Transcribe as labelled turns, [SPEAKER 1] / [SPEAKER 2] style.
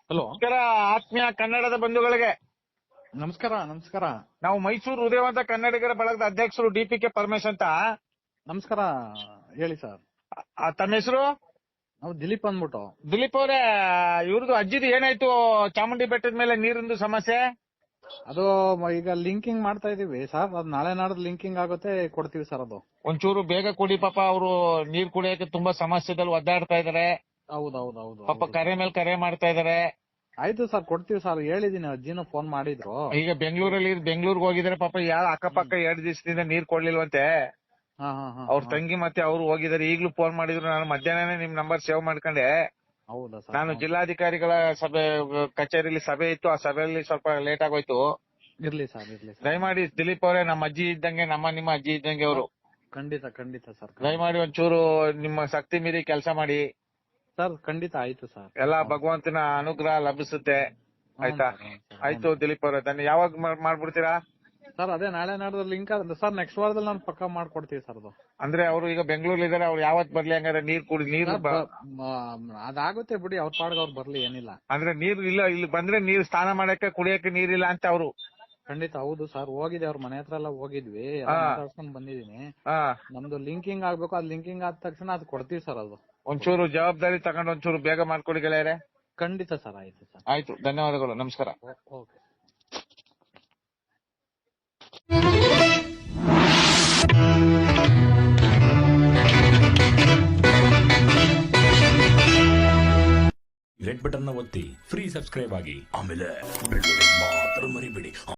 [SPEAKER 1] Hello,
[SPEAKER 2] ನಮಸ್ಕಾರ ಆತ್ಮೀಯ ಕನ್ನಡದ ಬಂಧುಗಳಿಗೆ.
[SPEAKER 1] ನಮಸ್ಕಾರ. ನಮಸ್ಕಾರ.
[SPEAKER 2] ನಾವು ಮೈಸೂರು ಉದಯವಂತ ಕನ್ನಡಿಗರ ಬಳಗದ ಅಧ್ಯಕ್ಷರು DPK ಪರಮೇಶ್ ಅಂತ.
[SPEAKER 1] ನಮಸ್ಕಾರ. ಹೇಳಿ ಸರ್.
[SPEAKER 2] ತಮ್ಮ ಹೆಸರು?
[SPEAKER 1] ನಾವು ದಿಲೀಪ್ ಅಂದ್ಬಿಟ್ಟು.
[SPEAKER 2] ದಿಲೀಪ್ ಅವರೇ, ಇವ್ರದ್ದು ಅಜ್ಜಿದು ಏನಾಯ್ತು ಚಾಮುಂಡಿ ಬೆಟ್ಟದ ಮೇಲೆ ನೀರಿಂದು ಸಮಸ್ಯೆ?
[SPEAKER 1] ಅದು ಈಗ ಲಿಂಕಿಂಗ್ ಮಾಡ್ತಾ ಇದೀವಿ ಸರ್. ಅದು ನಾಳೆ ನಾಡ್ದು ಲಿಂಕಿಂಗ್ ಆಗುತ್ತೆ, ಕೊಡ್ತೀವಿ ಸರ್. ಅದು
[SPEAKER 2] ಒಂಚೂರು ಬೇಗ ಕೊಡಿ ಪಾಪ. ಅವರು ನೀರ್ ಕುಡಿಯಕ್ಕೆ ತುಂಬಾ ಸಮಸ್ಯೆದಲ್ಲಿ ಒದ್ದಾಡ್ತಾ ಇದಾರೆ.
[SPEAKER 1] ಹೌದೌದು.
[SPEAKER 2] ಪಾಪ ಕರೆ ಮೇಲೆ ಕರೆ ಮಾಡ್ತಾ ಇದಾರೆ.
[SPEAKER 1] ಆಯ್ತು ಸರ್, ಕೊಡ್ತೀವಿ ಸರ್. ಹೇಳಿದೀನಿ, ಅಜ್ಜಿನೂ ಫೋನ್ ಮಾಡಿದ್ರು.
[SPEAKER 2] ಈಗ ಬೆಂಗಳೂರಿಗೆ ಹೋಗಿದ್ರೆ ಪಾಪ ಯಾರು ಅಕ್ಕಪಕ್ಕ 2 ದಿವಸದಿಂದ ನೀರ್ ಕೊಡ್ಲಿಲ್ವಂತೆ. ಅವ್ರ ತಂಗಿ ಮತ್ತೆ ಅವ್ರು ಹೋಗಿದಾರೆ. ಈಗ್ಲೂ ಫೋನ್ ಮಾಡಿದ್ರು. ನಾನು ಮಧ್ಯಾಹ್ನನೇ ನಿಮ್ ನಂಬರ್ ಸೇವ್ ಮಾಡ್ಕೊಂಡೆ.
[SPEAKER 1] ಹೌದಾ ಸರ್?
[SPEAKER 2] ನಾನು ಜಿಲ್ಲಾಧಿಕಾರಿಗಳ ಕಚೇರಿಯಲ್ಲಿ ಸಭೆ ಇತ್ತು. ಆ ಸಭೆಯಲ್ಲಿ ಸ್ವಲ್ಪ ಲೇಟ್ ಆಗೋಯ್ತು.
[SPEAKER 1] ಇರ್ಲಿ ಸರ್.
[SPEAKER 2] ದಯಮಾಡಿ ದಿಲೀಪ್ ಅವರೇ, ನಮ್ಮ ಅಜ್ಜಿ ಇದ್ದಂಗೆ, ನಿಮ್ಮ ಅಜ್ಜಿ ಇದ್ದಂಗೆ ಅವರು.
[SPEAKER 1] ಖಂಡಿತ ಸರ್.
[SPEAKER 2] ದಯಮಾಡಿ ಒಂಚೂರು ನಿಮ್ಮ ಶಕ್ತಿ ಮೀರಿ ಕೆಲಸ ಮಾಡಿ
[SPEAKER 1] ಸರ್. ಖಂಡಿತ ಆಯ್ತು ಸರ್.
[SPEAKER 2] ಎಲ್ಲಾ ಭಗವಂತನ ಅನುಗ್ರಹ ಲಭಿಸುತ್ತೆ. ಆಯ್ತಾ? ಆಯ್ತು ದಿಲೀಪ್ ಅವರೇ, ಯಾವಾಗ ಮಾಡ್ಬಿಡ್ತೀರಾ
[SPEAKER 1] ಸರ್? ಅದೇ ನಾಳೆ ನಾಡ್ದು ಲಿಂಕ್ ಸರ್. ನೆಕ್ಸ್ಟ್ ವಾರದಲ್ಲಿ ನಾನು ಪಕ್ಕ ಮಾಡ್ಕೊಡ್ತೀವಿ ಸರ್. ಅದು
[SPEAKER 2] ಅಂದ್ರೆ ಅವರು ಈಗ ಬೆಂಗಳೂರಲ್ಲಿ ಇದಾರೆ. ಅವ್ರು ಯಾವತ್ ಬರ್ಲಿ ಹಂಗಾರೆ? ನೀರು
[SPEAKER 1] ಅದಾಗುತ್ತೆ ಬಿಡಿ, ಅವ್ರ ಪಾಡ್ಗೆ ಅವ್ರು ಬರ್ಲಿ, ಏನಿಲ್ಲ.
[SPEAKER 2] ಅಂದ್ರೆ ನೀರು ಇಲ್ಲ, ಇಲ್ಲಿ ಬಂದ್ರೆ ನೀರು ಸ್ನಾನ ಮಾಡಕ್ಕೆ ಕುಡಿಯಕ್ಕೆ ನೀರಿಲ್ಲ ಅಂತ ಅವರು.
[SPEAKER 1] ಖಂಡಿತ ಹೌದು ಸರ್. ಹೋಗಿದೆ, ಅವ್ರ ಮನೆ ಹತ್ರ ಎಲ್ಲ ಹೋಗಿದ್ವಿ, ಮಾತಾಡ್ಸ್ಕೊಂಡ್ ಬಂದಿದೀನಿ. ನಮ್ದು ಲಿಂಕಿಂಗ್ ಆಗ್ಬೇಕು. ಅದ್ ಲಿಂಕಿಂಗ್ ಆದ ತಕ್ಷಣ ಅದು ಕೊಡ್ತೀವಿ ಸರ್. ಅದು
[SPEAKER 2] ಒಂಚೂರು ಜವಾಬ್ದಾರಿ ತಗೊಂಡು ಒಂಚೂರು ಬೇಗ ಮಾಡ್ಕೊಡಿ ಗೆಳೆಯರೆ.
[SPEAKER 1] ಖಂಡಿತ ಸರ್. ಆಯ್ತು ಸರ್.
[SPEAKER 2] ಆಯ್ತು, ಧನ್ಯವಾದಗಳು. ನಮಸ್ಕಾರ.
[SPEAKER 1] ಓಕೆ.
[SPEAKER 3] ರೆಡ್ ಬಟನ್ ನ ಒತ್ತಿ ಫ್ರೀ ಸಬ್ಸ್ಕ್ರೈಬ್ ಆಗಿ, ಆಮೇಲೆ ಬೆಲ್ ಮಾತ್ರ ಮರಿಬೇಡಿ.